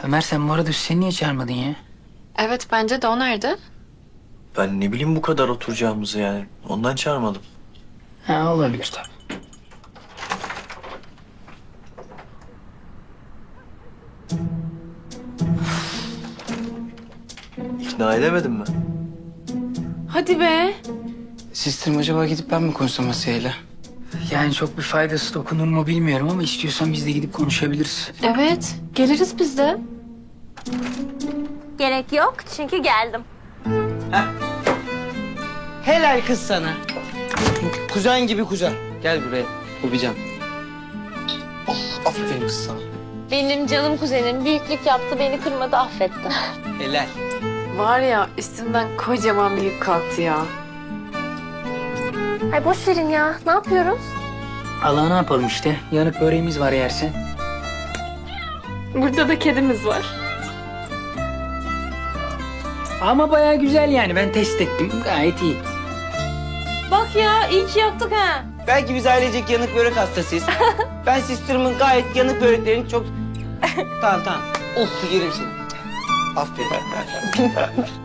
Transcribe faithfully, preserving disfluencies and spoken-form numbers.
Ömer sen bu arada Hüseyin'i niye çağırmadın ya? Evet bence de o nerede? Ben ne bileyim bu kadar oturacağımızı yani. Ondan çağırmadım. Ha olabilir tabii. İkna edemedim mi? Hadi be. Sistirim acaba gidip ben mi konuşsam Asiye'yle? Yani çok bir faydası dokunur mu bilmiyorum ama istiyorsan biz de gidip konuşabiliriz. Evet geliriz biz de. Gerek yok çünkü geldim. Helal kız sana. Kuzen gibi kuzen. Gel buraya. Öpeceğim. Oh, aferin kız sana. Benim canım kuzenim büyüklük yaptı, beni kırmadı, affetti. Helal. Var ya üstümden kocaman bir yük kalktı ya. Ay boş verin ya, ne yapıyoruz? Allah ne yapalım işte. Yanık böreğimiz var yersen. Burada da kedimiz var. Ama bayağı güzel yani. Ben test ettim. Gayet iyi. Bak ya, iyi ki yaptık ha. Belki biz ailecek yanık börek hastasıyız. Ben sisterimin gayet yanık böreklerini çok... tamam tamam. Of yerim seni. Aferin.